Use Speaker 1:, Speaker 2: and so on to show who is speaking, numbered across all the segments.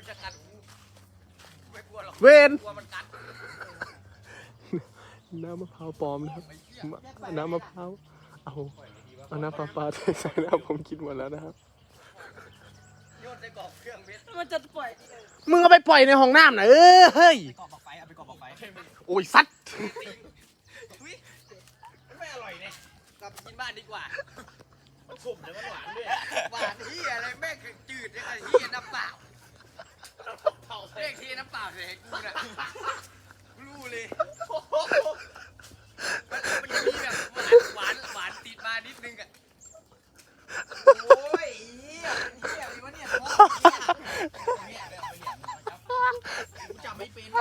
Speaker 1: มันจะกัดกูไม่กลัวหรอก
Speaker 2: เวน
Speaker 1: กลัวมันกัด
Speaker 2: น้ำมะพร้าวปลอมนะครับน้ำมะพร้าวเอาน้ำปลาใส่แล้วผมกินหมดแล้วนะครับ
Speaker 1: โยนใส่กรอบเครื่องเม็ด
Speaker 3: มันจะปล่อย
Speaker 2: มึงเอาไปปล่อยในห้องน้ำนะเฮ้ย
Speaker 1: กรอบบอกไฟเอาไปกรอบบอกไฟ
Speaker 2: โอ้ยสัตว์
Speaker 1: ไม่อร่อยเนี่ยกลับไปกินบ้านดีกว่ามันขมแต่มันหวานด้วยหวานเฮียอะไรแม่งจืดเนี่ยเฮียน้ำเปล่าแม่งเฮียน้ำเปล่าเลยกูน่ะรู้เลยมันจะมีแบบหวานติดมานิดนึงอ่ะโอ้ยเฮียเป็นเฮียอะไรวะเนี่ยกูจำไม่เป็น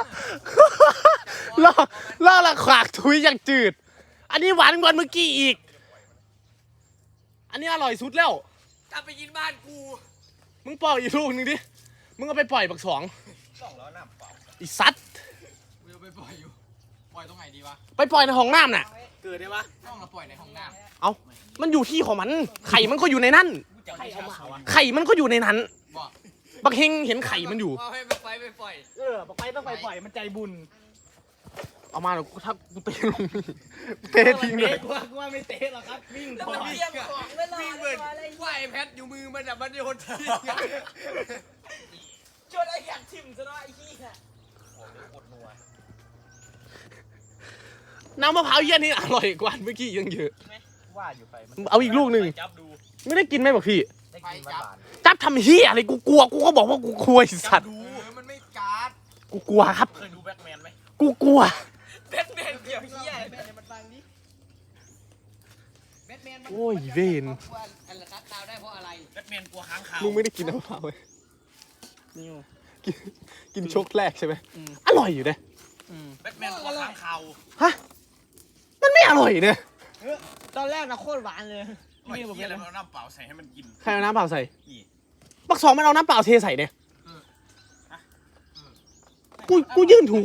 Speaker 2: ล่อละขวากทุยอย่างจืด อันนี้หวานกว่าเมื่อกี้อีก อันนี้อร่อยสุดแล้ว
Speaker 1: กลับไปกินบ้านกู
Speaker 2: มึงปล่อยอีกลูกหนึงดิ มึงเอาไปปล่อยบักสอง
Speaker 1: 2 ล้อน้ำเปล่า
Speaker 2: อีสัตว์
Speaker 1: กูจะไปปล่อยอยู่ ปล่อยตรงไหนดีวะ
Speaker 2: ไปปล่อยในห้องน้ำน่ะ
Speaker 1: เกิดได้ปะต้องเราปล่อยในห้องน้ำ
Speaker 2: เอามันอยู่ที่ของมัน ไข่มันก็อยู่ในนั้น
Speaker 1: จะให้เอามาวะ
Speaker 2: ไข่มันก็อยู่ในนั้น
Speaker 1: บอก
Speaker 2: บักเฮงเห็นไข่มันอยู่
Speaker 1: เอาให้ไปปล่อย
Speaker 3: บอกไปต้องไปปล่อยมันใจบุญ
Speaker 2: เอามาเดี๋ยวกูทักกูเตะลงนี่เตะทิ้งเลย
Speaker 3: กูว่าไม่เตะหรอกครับวิ่ง
Speaker 1: แล้ว
Speaker 3: ก่อ
Speaker 1: มัน
Speaker 3: น
Speaker 1: วิ่งของไม่รอวิ่งเบิร์นว่าไอ้แพทอยู่มือมันอะมันโยนทิ้ง
Speaker 3: ชวนไอ้แขกทิมซะหน่อยไอ้ขี้ค่ะ
Speaker 1: โอ้โหปวดนัว
Speaker 2: น้ำมะพร้าวเยี่ยนี่อร่อยกว่าเมื่อกี้ยังเยอะ
Speaker 1: ว่าอยู่ไปมัน
Speaker 2: เอาอีกลูกหนึ่ง
Speaker 1: จับดู
Speaker 2: ไม่ได้กินไหมบอกพี่
Speaker 1: ได้กินหวาน
Speaker 2: จับทำเฮียอะไรกูกลัว กูก็บอกว่ากูกลัวไอ้สัตว์
Speaker 1: ดูมันไม่การ์ด
Speaker 2: กูกลัวครับ
Speaker 1: เคยดูแบ็คแมนไหม
Speaker 2: กูกลัว
Speaker 1: แบทแมนเกี่ยวเหี้ยแบทแมนมันฟังดิแบทแมนมัน
Speaker 2: โอ้ยเวน
Speaker 1: อันละครับตาวได้เพราะอะไรแบทแมนกลัวค้างคาว
Speaker 2: มึงไม่ได้กินน้ำมะพร้าวเลย
Speaker 3: นี่
Speaker 2: กินชกแรกใช่ไหมอร่อยอยู่นะ
Speaker 1: แบทแมนกลัวค้างคาว
Speaker 2: ฮะ มันไม่อร่อยเนี่ย
Speaker 3: ตอนแรกนะโคตรหวานเลย
Speaker 1: ไม่เหี้ยอะไรมันเอาน้ำเปล่าใส่ให้มันกิน
Speaker 2: ใครเอาน้ำเปล่าใส่
Speaker 1: นี่
Speaker 2: บักสองมันเอาน้ำเปล่าเทใส่เนี่ยกูยื่นถูก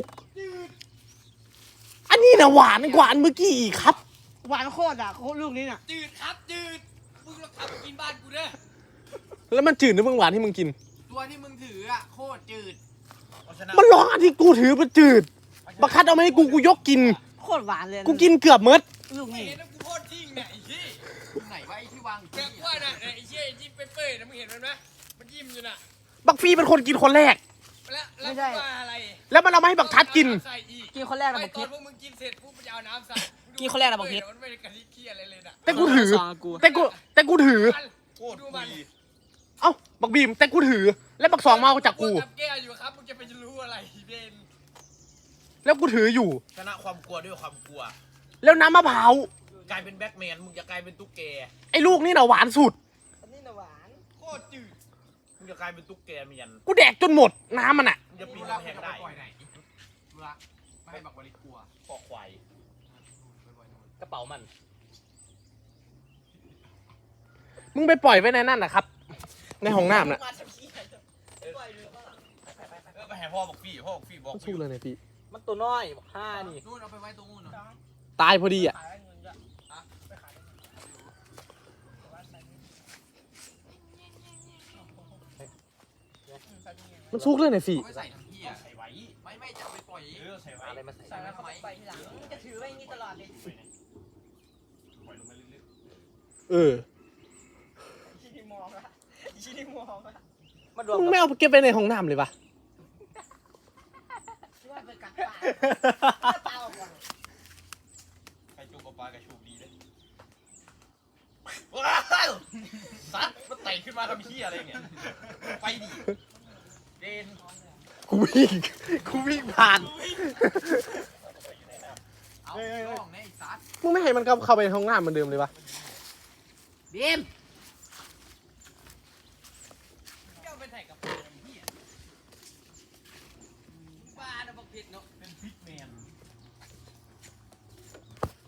Speaker 2: อันนี้นะหวานกว่าอันเมื่อกี้อีกครับ
Speaker 3: หวานโคตรอ่ะโคตรลูกนี้น่ะ
Speaker 1: จืดครับจืดมึงลองทำไปกินบ้านกูเด้อ
Speaker 2: แล้วมันจืดหรือมึงหวานที่มึงกิน
Speaker 1: ตัวที่มึงถืออะโคตรจืด
Speaker 2: มันร้องอันที่กูถือมันจืด บักคัดเอามาให้กูยกกิน
Speaker 3: โคตรหวานเลย
Speaker 2: กูกินเกือบเมด
Speaker 3: ลูก
Speaker 1: ไม่
Speaker 3: นี้
Speaker 1: เห็นนะกูโคตรจริงเนี่ยไอ้ที่ไหนวะไอ้ที่วางแบบว่าน่ะไอ้เชี่ยไอ้ที่เปื่อยๆนะมึงเห็นมันไหมมันยิ้มอยู่น่ะ
Speaker 2: บักฟีเป็นคนกินคนแรก
Speaker 1: แล้วว่าอะไร
Speaker 2: แล้วมันเอามาให้บักทัดกิน
Speaker 1: ใส่อีก
Speaker 3: กินคนแรกนะ
Speaker 1: ไม่
Speaker 3: บอก
Speaker 1: ตอ
Speaker 3: พิ
Speaker 1: น
Speaker 3: ษ
Speaker 1: พวกมึงกินเสร็จปุ๊บมันจะเอาน้ำใส่
Speaker 3: กินคนแรกนะบอกพิษ
Speaker 1: มันไม่ได้กะทิเคี่ยอะไรเลยน่ะ
Speaker 2: แต่กูถือ แต่กูถือ
Speaker 1: โคตรดูมัน
Speaker 2: เอ้า บักบีมแต่กูถือ แล้วบักสองมาเอาจากกู
Speaker 1: ทำแก้วอยู่ครับมึงจะไปรู้อะไรเบน
Speaker 2: แล้วกูถืออยู่
Speaker 1: ชนะความกลัวด้วยความกลัว
Speaker 2: แล้วน้ำมะพร้าว
Speaker 1: กลายเป็นแบ็คแมนมึงจะกลายเป็นตุ๊กแก
Speaker 2: ไอ้ลูกนี่น่ะหวานสุด
Speaker 3: อันนี้น่ะหวาน
Speaker 1: โคตรจืดมึงจะกลายเป็นตุ๊กแกเมียน
Speaker 2: กูแดกจนหมดน้ำมันอ่ะ
Speaker 1: มึงจะปีนกำแพงได้ไม่ให้บักวาริกลัวคอควาย
Speaker 2: กระเป๋ามัน มึงไปปล่อยไว้ในนั่นนะครับ ในห้องน้ำน่ะ
Speaker 1: ไปให้พ่อบอกพี่บอก
Speaker 2: สู้เลยเนี่ยพี่
Speaker 3: มันตัวน้อยบอกห้านี่
Speaker 1: นู่นเอาไปไว้ตรงนู้นเนาะ
Speaker 2: ตายพอดีอ่ะ มันซุกเลยเนี่ยพี่
Speaker 1: ไม่ใส่ทั้งที่อ่ะใส่ไว้ไม่จะไปปล่อยใส่ไว้อะไรมาใส่ไว้ทำไม
Speaker 3: จะถือไว้อย่างนี้ตลอดเลย
Speaker 1: ปล่อยลงไปเรื่อย
Speaker 2: เออ
Speaker 3: ชี้นี่มองละชี้นี่มองละ
Speaker 2: มึงไม่เอาเก็บไปในห้องน้ำเลยปะ
Speaker 3: ช่วยไปกัดปลาปลาออกก่อน
Speaker 1: ๆใครจูบปลากระชูดีเลยว้าวซัดมันไต่ขึ้นมาทำเหี้ยอะไรเนี่ยไปดิเดน
Speaker 2: กูวิ่งผ่าน
Speaker 1: เอาล่องเนี่ยไอ้ซัด
Speaker 2: มึงไม่ให้มันเข้าไปในห้องน้ำเหมือนเดิมเลยปะ
Speaker 3: บีม